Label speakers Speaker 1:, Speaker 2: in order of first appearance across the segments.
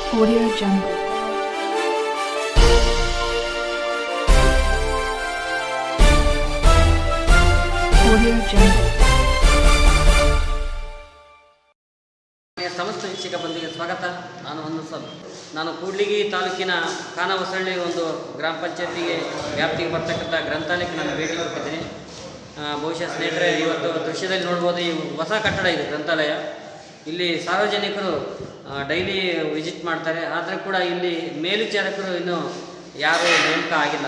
Speaker 1: Audio Jungle. Audio Jungle.
Speaker 2: ಸಮಸ್ತ ವೀಕ್ಷಕ ಬಂದಿಗೆ ಸ್ವಾಗತ. ನಾನು ಕೂಡ್ಲಿಗಿ ತಾಲೂಕಿನ ಖಾನಾವಸಳ್ಳಿ ಒಂದು ಗ್ರಾಮ ಪಂಚಾಯತಿಗೆ ವ್ಯಾಪ್ತಿಗೆ ಬರ್ತಕ್ಕಂಥ ಗ್ರಂಥಾಲಯಕ್ಕೆ ನಾನು ಭೇಟಿ ಕೊಟ್ಟಿದ್ದೀನಿ. ಬಹುಶಃ ಸ್ನೇಹಿತರೆ, ಇವತ್ತು ದೃಶ್ಯದಲ್ಲಿ ನೋಡ್ಬೋದು, ಈ ಹೊಸ ಕಟ್ಟಡ ಇದೆ ಗ್ರಂಥಾಲಯ. ಇಲ್ಲಿ ಸಾರ್ವಜನಿಕರು ಡೈಲಿ ವಿಸಿಟ್ ಮಾಡ್ತಾರೆ. ಆದರೆ ಕೂಡ ಇಲ್ಲಿ ಮೇಲ್ವಿಚಾರಕರು ಇನ್ನೂ ಯಾರೂ ನೇಮಕ ಆಗಿಲ್ಲ.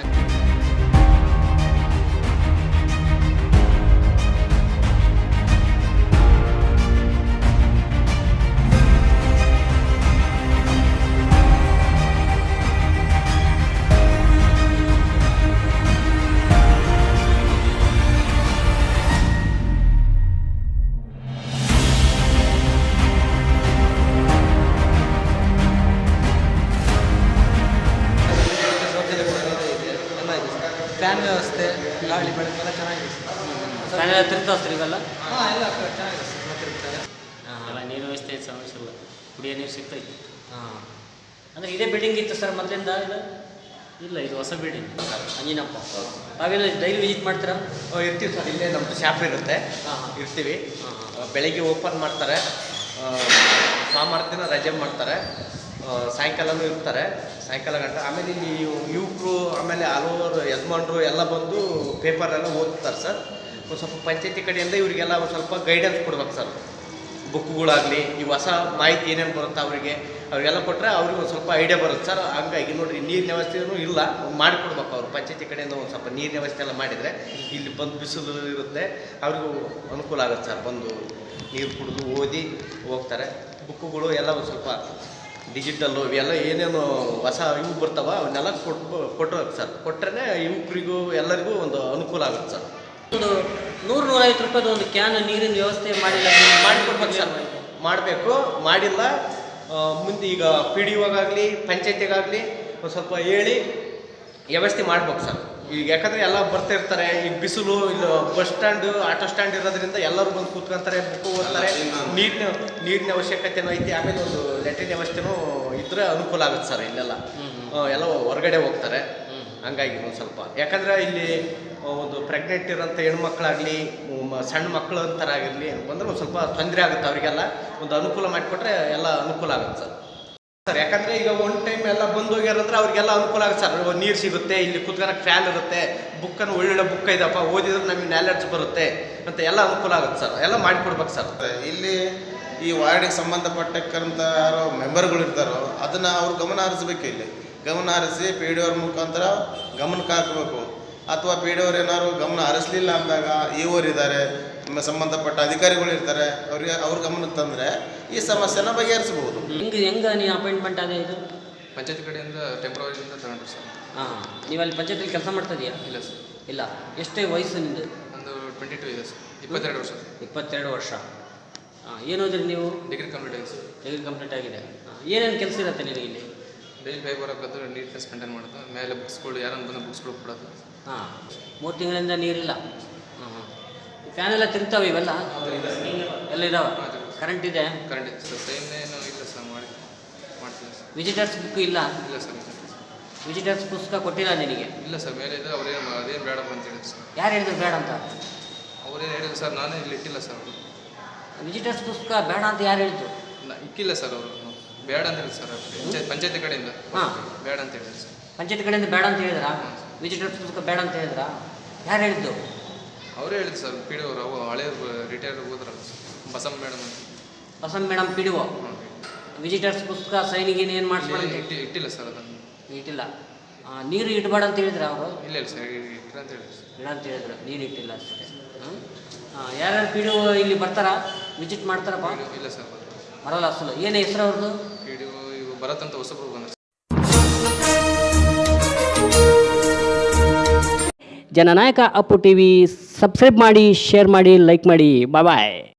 Speaker 3: ಫ್ಯಾನ್ ವ್ಯವಸ್ಥೆ, ಗಾಳಿ ಬೆಳಕು ಎಲ್ಲ ಚೆನ್ನಾಗಿದೆ ಸರ್.
Speaker 2: ಫ್ಯಾನೆಲ್ಲ ತಿರ್ತಾವ ಸರ್ ಇವೆಲ್ಲ?
Speaker 3: ಹಾಂ, ಎಲ್ಲ ಚೆನ್ನಾಗಿದೆ ಸರ್, ಮಾತಿರ್ತಾರೆ.
Speaker 2: ಎಲ್ಲ ನೀರು ವ್ಯವಸ್ಥೆ ಸಮಸ್ಯೆ ಇಲ್ಲ, ಕುಡಿಯೋ ನೀರು ಸಿಗ್ತೈತಿ. ಅಂದರೆ ಇದೇ ಬಿಲ್ಡಿಂಗ್ ಇತ್ತು ಸರ್ ಮೊದಲಿಂದ? ಇಲ್ಲ, ಇದು ಹೊಸ ಬಿಲ್ಡಿಂಗ್. ಅಂಜಿನಪ್ಪ, ತಾವೇನು ಡೈಲಿ ವಿಸಿಟ್ ಮಾಡ್ತೀರಾ?
Speaker 3: ಇರ್ತೀವಿ ಸರ್, ಇಲ್ಲೇ ನಮ್ಮದು ಶಾಪ್ ಇರುತ್ತೆ. ಇರ್ತೀವಿ. ಬೆಳಗ್ಗೆ ಓಪನ್ ಮಾಡ್ತಾರೆ, ಸೋಮವಾರ ದಿನ ರಜೆ ಮಾಡ್ತಾರೆ, ಸಾಯಂಕಾಲನೂ ಇರ್ತಾರೆ, ಸಾಯಂಕಾಲ ಗಂಟೆ. ಆಮೇಲೆ ಇಲ್ಲಿ ಯುವಕರು, ಆಮೇಲೆ ಹಲವಾರು ಯಜಮಾನರು ಎಲ್ಲ ಬಂದು ಪೇಪರೆಲ್ಲ ಓದ್ತಾರೆ ಸರ್. ಒಂದು ಸ್ವಲ್ಪ ಪಂಚಾಯತಿ ಕಡೆಯಿಂದ ಇವರಿಗೆಲ್ಲ ಒಂದು ಸ್ವಲ್ಪ ಗೈಡೆನ್ಸ್ ಕೊಡ್ಬೇಕು ಸರ್. ಬುಕ್ಗಳಾಗಲಿ, ಈ ಹೊಸ ಮಾಹಿತಿ ಏನೇನು ಬರುತ್ತೆ ಅವರಿಗೆಲ್ಲ ಕೊಟ್ಟರೆ ಅವ್ರಿಗೆ ಒಂದು ಸ್ವಲ್ಪ ಐಡಿಯಾ ಬರುತ್ತೆ ಸರ್. ಹಂಗಾಗಿ ನೋಡಿರಿ, ನೀರಿನ ವ್ಯವಸ್ಥೆಯೂ ಇಲ್ಲ, ಮಾಡಿಕೊಡ್ಬೇಕು ಅವರು. ಪಂಚಾಯತಿ ಕಡೆಯಿಂದ ಒಂದು ಸ್ವಲ್ಪ ನೀರಿನ ವ್ಯವಸ್ಥೆ ಎಲ್ಲ ಮಾಡಿದರೆ ಇಲ್ಲಿ ಬಂದು ಬಿಸಿಲು ಇರುತ್ತೆ, ಅವ್ರಿಗೂ ಅನುಕೂಲ ಆಗುತ್ತೆ ಸರ್. ಬಂದು ನೀರು ಕುಡಿದು ಓದಿ ಹೋಗ್ತಾರೆ. ಬುಕ್ಕುಗಳು ಎಲ್ಲ ಒಂದು ಸ್ವಲ್ಪ ಡಿಜಿಟಲ್ಲು ಇವೆಲ್ಲ ಏನೇನು ಹೊಸ ಇವು ಬರ್ತಾವ ಅವನ್ನೆಲ್ಲ ಕೊಟ್ಟಬೇಕು ಸರ್. ಕೊಟ್ಟರೆ ಯುವಕರಿಗೂ ಎಲ್ಲರಿಗೂ ಒಂದು ಅನುಕೂಲ ಆಗುತ್ತೆ ಸರ್.
Speaker 2: ಒಂದು 100-150 ರೂಪಾಯಿದು ಒಂದು ಕ್ಯಾನ್ ನೀರಿನ ವ್ಯವಸ್ಥೆ ಮಾಡಿಲ್ಲ,
Speaker 3: ಮಾಡಿಕೊಡ್ಬೇಕು ಸರ್. ಮಾಡಬೇಕು, ಮಾಡಿಲ್ಲ. ಮುಂದೆ ಈಗ ಪಿ ಡಿ ಒಗಾಗಲಿ ಪಂಚಾಯತಿಗಾಗಲಿ ಒಂದು ಸ್ವಲ್ಪ ಹೇಳಿ ವ್ಯವಸ್ಥೆ ಮಾಡ್ಬೇಕು ಸರ್. ಈಗ ಯಾಕಂದರೆ ಎಲ್ಲ ಬರ್ತಾ ಇರ್ತಾರೆ. ಈಗ ಬಿಸಿಲು, ಇಲ್ಲಿ ಬಸ್ ಸ್ಟ್ಯಾಂಡು, ಆಟೋ ಸ್ಟ್ಯಾಂಡ್ ಇರೋದ್ರಿಂದ ಎಲ್ಲರೂ ಬಂದು ಕೂತ್ಕೊಂತಾರೆ, ಬುಕ್ಕು ಓದ್ತಾರೆ. ನೀರಿನ ಅವಶ್ಯಕತೆನೂ ಐತಿ. ಆಮೇಲೆ ಒಂದು ಲ್ಯಾಟ್ರಿನ್ ವ್ಯವಸ್ಥೆನೂ ಇದ್ದರೆ ಅನುಕೂಲ ಆಗುತ್ತೆ ಸರ್. ಇಲ್ಲೆಲ್ಲ ಎಲ್ಲ ಹೊರಗಡೆ ಹೋಗ್ತಾರೆ. ಹಂಗಾಗಿ ಒಂದು ಸ್ವಲ್ಪ, ಯಾಕಂದರೆ ಇಲ್ಲಿ ಒಂದು ಪ್ರೆಗ್ನೆಂಟ್ ಇರೋಂಥ ಹೆಣ್ಮಕ್ಳಾಗಲಿ, ಸಣ್ಣ ಮಕ್ಕಳು ಅಂತಾರಾಗಿರಲಿ ಬಂದರೆ ಒಂದು ಸ್ವಲ್ಪ ತೊಂದರೆ ಆಗುತ್ತೆ. ಅವರಿಗೆಲ್ಲ ಒಂದು ಅನುಕೂಲ ಮಾಡಿಕೊಟ್ರೆ ಎಲ್ಲ ಅನುಕೂಲ ಆಗುತ್ತೆ ಸರ್. ಯಾಕಂದರೆ ಈಗ ಒಂದು ಟೈಮ್ ಎಲ್ಲ ಬಂದು ಹೋಗ್ಯಾರಂದ್ರೆ ಅವ್ರಿಗೆಲ್ಲ ಅನುಕೂಲ ಆಗುತ್ತೆ ಸರ್. ನೀರು ಸಿಗುತ್ತೆ, ಇಲ್ಲಿ ಕುತ್ಕೊಳಕ್ಕೆ ಫ್ಯಾನ್ ಇರುತ್ತೆ, ಬುಕ್ಕನ್ನು ಒಳ್ಳೊಳ್ಳೆ ಬುಕ್ ಇದಪ್ಪ, ಓದಿದ್ರೆ ನಮಗೆ ನಾಲೆಡ್ಜ್ ಬರುತ್ತೆ ಅಂತ ಎಲ್ಲ ಅನುಕೂಲ ಆಗುತ್ತೆ ಸರ್. ಎಲ್ಲ ಮಾಡಿಕೊಡ್ಬೇಕು ಸರ್.
Speaker 4: ಇಲ್ಲಿ ಈ ವಾರ್ಡಿಗೆ ಸಂಬಂಧಪಟ್ಟಕ್ಕಂಥ ಯಾರೋ ಮೆಂಬರ್ಗಳು ಇರ್ತಾರೋ ಅದನ್ನು ಅವ್ರು ಗಮನ ಹರಿಸ್ಬೇಕು. ಇಲ್ಲಿ ಗಮನ ಹರಿಸಿ ಪಿ ಡಿ ಅವ್ರ ಮುಖಾಂತರ ಗಮನಕ್ಕೆ ಹಾಕಬೇಕು. ಅಥವಾ ಪಿ ಡಿ ಅವ್ರು ಏನಾದ್ರು ಗಮನ ಹರಿಸಲಿಲ್ಲ ಅಂದಾಗ ಇವರು ಇದ್ದಾರೆ, ಸಂಬಂಧಪಟ್ಟ ಅಧಿಕಾರಿಗಳು ಇರ್ತಾರೆ, ಅವ್ರ ಗಮನಕ್ಕೆ ತಂದರೆ ಈ ಸಮಸ್ಯೆನ ಬಗೆಹರಿಸ್ಬೋದು.
Speaker 2: ಹೆಂಗೆ ನೀವು ಅಪಾಯಿಂಟ್ಮೆಂಟ್ ಅದೇ ಇದು
Speaker 5: ಪಂಚಾಯತ್ ಕಡೆಯಿಂದ ಟೆಂಪ್ರವರಿಯಿಂದ ತಗೊಂಡ್ರು ಸರ್.
Speaker 2: ನೀವು ಅಲ್ಲಿ ಪಂಚಾಯತಿಲಿ ಕೆಲಸ ಮಾಡ್ತಾ ಇದೆಯಾ?
Speaker 5: ಇಲ್ಲ ಸರ್.
Speaker 2: ಇಲ್ಲ. ಎಷ್ಟೇ ವಯಸ್ಸು ನಿಮ್ಮದು?
Speaker 5: ಒಂದು 22 ಇದೆ ಸರ್. 22 ವರ್ಷ.
Speaker 2: 22 ವರ್ಷ. ಏನು ಓದಿರಿ ನೀವು?
Speaker 5: ಡಿಗ್ರಿ ಕಂಪ್ಲೀಟ್ ಆಗಿದೆ ಸರ್.
Speaker 2: ಡಿಗ್ರಿ ಕಂಪ್ಲೀಟ್ ಆಗಿದೆ. ಏನೇನು ಕೆಲಸ ಇರುತ್ತೆ ನಿನಗೆ ಇಲ್ಲಿ?
Speaker 5: ಡೈಲಿ ಪೇಪರ್ ಹಾಕೋದು, ನೀಟ್ನೆಸ್ ಮೇಂಟೈನ್ ಮಾಡೋದು, ಮೇಲೆ ಬುಕ್ಸ್ಗಳು ಯಾರನ್ನು ಬಂದು ಬುಕ್ಸ್ಗಳು ಕೊಡೋದು.
Speaker 2: 3 ತಿಂಗಳಿಂದ ನೀರಿಲ್ಲ. ಫ್ಯಾನ್ ಎಲ್ಲ ತಿರ್ತಾವೆ ಇವೆಲ್ಲ? ಎಲ್ಲ ಇದಾವೆ. ಕರೆಂಟ್ ಇದೆ?
Speaker 5: ಕರೆಂಟ್ ಇದೆ ಸರ್. ಏನು ಇಲ್ಲ ಸರ್, ಮಾಡ್ತಿಲ್ಲ ಸರ್.
Speaker 2: ವಿಸಿಟರ್ಸ್ ಬುಕ್ ಇಲ್ಲ?
Speaker 5: ಇಲ್ಲ ಸರ್.
Speaker 2: ವಿಸಿಟರ್ಸ್ ಪುಸ್ತಕ ಕೊಟ್ಟಿಲ್ಲ ನಿನಗೆ?
Speaker 5: ಇಲ್ಲ ಸರ್. ಮೇಲೆ ಇದೆ, ಅದೇನು ಬೇಡಪ್ಪ ಅಂತ ಹೇಳಿದ್ರು ಸರ್.
Speaker 2: ಯಾರು ಹೇಳಿದ್ರು ಬೇಡ ಅಂತ?
Speaker 5: ಅವರೇನು ಹೇಳಿದ್ರು ಸರ್, ನಾನೇ ಇಲ್ಲಿ ಇಟ್ಟಿಲ್ಲ ಸರ್. ಅವರು
Speaker 2: ವಿಸಿಟರ್ಸ್ ಪುಸ್ತಕ ಬೇಡ ಅಂತ ಯಾರು ಹೇಳಿದ್ರು?
Speaker 5: ಇಕ್ಕಿಲ್ಲ ಸರ್. ಅವರು ಬೇಡ ಅಂತ ಹೇಳಿದ್ರು ಸರ್. ಪಂಚಾಯತಿ ಕಡೆಯಿಂದ ಬೇಡ ಅಂತ ಹೇಳಿದ್ರು ಸರ್.
Speaker 2: ಪಂಚಾಯತ್ ಕಡೆಯಿಂದ ಬೇಡ ಅಂತ ಹೇಳಿದ್ರಾ? ವಿಸಿಟರ್ಸ್ ಪುಸ್ತಕ ಬೇಡ ಅಂತ ಹೇಳಿದ್ರಾ? ಯಾರು ಹೇಳಿದ್ದು?
Speaker 5: ಅವರೇ ಹೇಳಿದ್ರು ಸರ್. ಪಿ ಡಿ ಅವರು ಹಳೆ ರಿಟೈರ್ಡ್ ಹೋದ್ರಲ್ಲ ಸರ್, ಬಸಮ್ಮ ಮೇಡಮ್ ಅಂತ.
Speaker 2: Basamma madam P D O. Visitors ಪುಸ್ತಕ ಸೈನಿಗೆ ಏನು ಮಾಡಿಸ್ಬೇಡ
Speaker 5: ಇಟ್ಟಿಲ್ಲ ಸರ್. ಅದನ್ನು
Speaker 2: ಇಟ್ಟಿಲ್ಲ. ನೀರು ಇಡಬೇಡ ಅಂತ ಹೇಳಿದ್ರ ಅವರು?
Speaker 5: ಇಲ್ಲ ಇಲ್ಲ ಸರ್, ಇಟ್ಟಿಲ್ಲ ಅಂತ ಹೇಳಿದ್ರು ಸರ್.
Speaker 2: ಇಡ ಅಂತ ಹೇಳಿದ್ರು, ನೀರು ಇಟ್ಟಿಲ್ಲ ಅಷ್ಟೇ. ಯಾರ್ಯಾರು ಪಿ ಡಿ ಒ ಇಲ್ಲಿ ಬರ್ತಾರಾ, ವಿಸಿಟ್ ಮಾಡ್ತಾರಪ್ಪ?
Speaker 5: ಇಲ್ಲ ಸರ್,
Speaker 2: ಬರಲ್ಲ ಅಸಲು. ಏನು ಹೆಸರು ಅವ್ರದ್ದು?
Speaker 5: ಪಿ ಡಿ ಒ ಇವು ಬರತ್ತಂತ ಹೊಸಬ್ರು ಬಂದ.
Speaker 2: ಜನನಾಯಕ ಅಪ್ಪು ಟಿವಿ ಸಬ್ಸ್ಕ್ರೈಬ್ ಮಾಡಿ, ಶೇರ್ ಮಾಡಿ, ಲೈಕ್ ಮಾಡಿ. ಬಾಯ್ ಬಾಯ್.